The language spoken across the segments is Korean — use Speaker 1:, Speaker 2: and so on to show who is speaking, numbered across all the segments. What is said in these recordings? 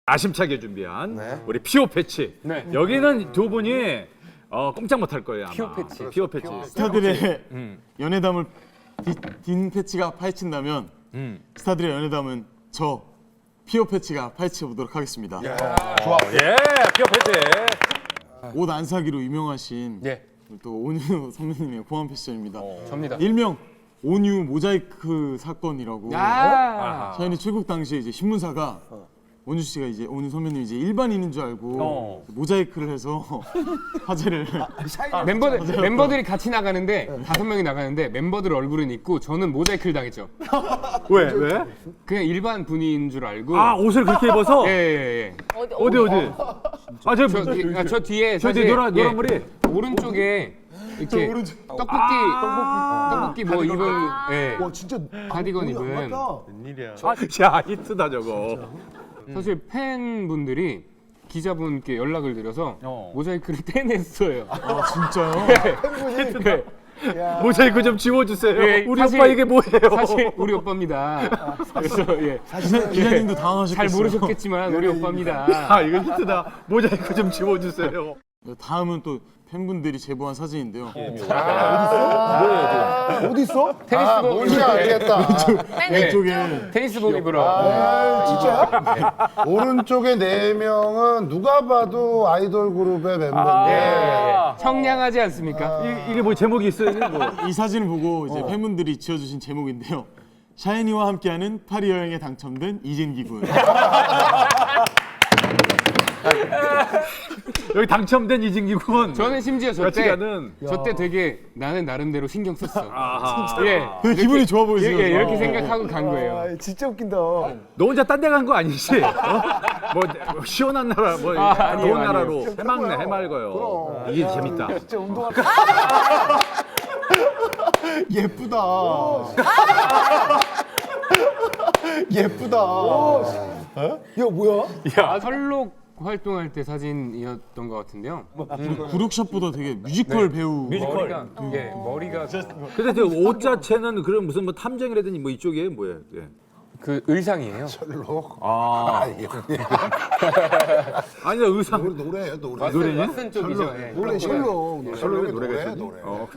Speaker 1: 아심차게 준비한 우리 피오 패치. 여기는 두 분이 꼼짝 못할 거예요. 아마. 피오 패치.
Speaker 2: 스타들의 연애담을 딘 패치가 파헤친다면 스타들의 연애담은 저 피오 패치가 파헤쳐 보도록 하겠습니다.
Speaker 1: 좋아. 예, 피오 패치.
Speaker 2: 옷 안 사기로 유명하신 또 온유 선배님의 고한 패션입니다.
Speaker 3: 접니다.
Speaker 2: 일명 온유 모자이크 사건이라고. 샤이니 출국 당시에 이제 신문사가 온유 씨가 이제 온유 선배님 이제 일반인인 줄 알고 모자이크를 해서 화제를
Speaker 3: 멤버들이 같이 나가는데 5명이 나가는데 멤버들 얼굴은 있고 저는 모자이크를 당했죠.
Speaker 1: 왜?
Speaker 3: 그냥 일반 분인 줄 알고.
Speaker 1: 아, 옷을 그렇게 입어서?
Speaker 3: 예.
Speaker 1: 어디?
Speaker 3: 저 뒤에
Speaker 1: 저
Speaker 3: 사실
Speaker 1: 뒤에 노란 머리.
Speaker 3: 오른쪽에 이렇게 떡볶이 뭐 입은
Speaker 4: 진짜
Speaker 3: 가디건 입은.
Speaker 1: 야, 히트다 저거.
Speaker 3: 사실 팬분들이 기자분께 연락을 드려서 모자이크를 떼냈어요.
Speaker 2: 진짜요?
Speaker 3: 네.
Speaker 1: 모자이크 좀 지워주세요.
Speaker 3: 예,
Speaker 1: 우리
Speaker 3: 사실-
Speaker 1: 오빠 이게 뭐예요?
Speaker 3: 사실 우리 오빠입니다. 그래서
Speaker 2: 기자님도 당황하셨겠어요.
Speaker 3: 잘 모르셨겠지만 우리 오빠입니다.
Speaker 1: 아, 이거 히트다. 모자이크 좀 지워주세요.
Speaker 2: 다음은 또 팬분들이 제보한 사진인데요.
Speaker 4: 어디 있어?
Speaker 3: 테니스복
Speaker 4: 뭔지 알겠다.
Speaker 2: 이쪽에
Speaker 3: 테니스복 입으러.
Speaker 4: 진짜야? 오른쪽에 4명은 누가 봐도 아이돌 그룹의 멤버인데
Speaker 3: 청량하지 않습니까?
Speaker 1: 이게 뭐 제목이 있어요? 이게 뭐.
Speaker 2: 이 사진을 보고 이제 팬분들이 지어주신 제목인데요. 샤이니와 함께하는 파리 여행에 당첨된 이진기 군.
Speaker 1: 여기 당첨된 이진기 군.
Speaker 3: 저는 심지어
Speaker 1: 같이
Speaker 3: 저때
Speaker 1: 가는.
Speaker 3: 되게 나는 나름대로 신경 썼어.
Speaker 1: 아하.
Speaker 3: 예.
Speaker 2: 되게 기분이 좋아 보이시죠?
Speaker 3: 이렇게 생각하고 간 거예요.
Speaker 4: 진짜 웃긴다.
Speaker 1: 너 혼자 딴 데 간 거 아니지? 뭐 시원한 나라, 뭐
Speaker 3: 아니에요,
Speaker 1: 더운
Speaker 3: 아니에요.
Speaker 1: 나라로 해맑네, 해맑어요. 이게 재밌다.
Speaker 4: 진짜 운동화. 예쁘다. 예쁘다. 이거 뭐야?
Speaker 3: 설록 활동할 때 사진이었던 것 같은데요.
Speaker 2: 구룩샷보다 되게 뮤지컬 배우.
Speaker 3: 머리가
Speaker 1: 근데 저 옷 자체는 그런 무슨 뭐 탐정이라든지 뭐 이쪽이에요, 뭐예요? 예.
Speaker 3: 그 의상이에요.
Speaker 1: 아니야, 의상.
Speaker 4: 노래예요, 노래.
Speaker 3: 왓슨 쪽이죠. 예.
Speaker 4: 노래 셜록. 셜록의
Speaker 1: 노래가
Speaker 4: 노래.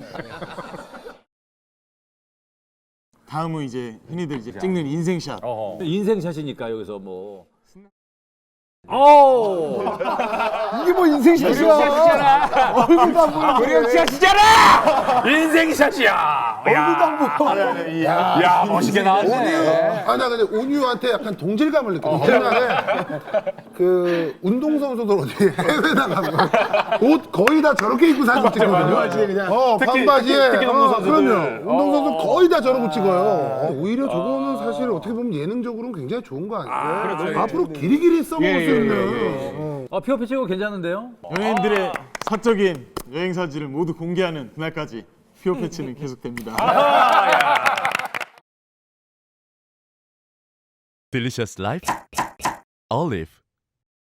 Speaker 2: 다음은 이제 흔히들 이제 찍는 인생샷.
Speaker 1: 인생샷이니까 여기서 뭐.
Speaker 4: 이게 뭐 인생샷이야. 얼굴도 안 보여.
Speaker 3: 우리형씨하시잖아.
Speaker 1: 인생샷이야.
Speaker 4: 얼굴도 안 보여.
Speaker 1: 야, 멋있게 나왔네.
Speaker 4: 나 근데 온유한테 약간 동질감을 느껴. 옛날에 그 운동선수들 어디 해외 나가면 옷 거의 다 저렇게 입고 사진 찍거든요. 반바지에.
Speaker 1: 특히 농구선수들.
Speaker 4: 그럼요. 운동선수 거의 다 저러고 찍어요. 오히려 저거는 사실 어떻게 보면 예능적으로는 굉장히 좋은 거 아니에요? 앞으로 길이길이 써먹을 수 있는.
Speaker 1: 피오 패치고 괜찮은데요?
Speaker 2: 연예인들의 사적인 여행 사진을 모두 공개하는 그날까지 피오 패치는 계속됩니다.
Speaker 5: Delicious Life Olive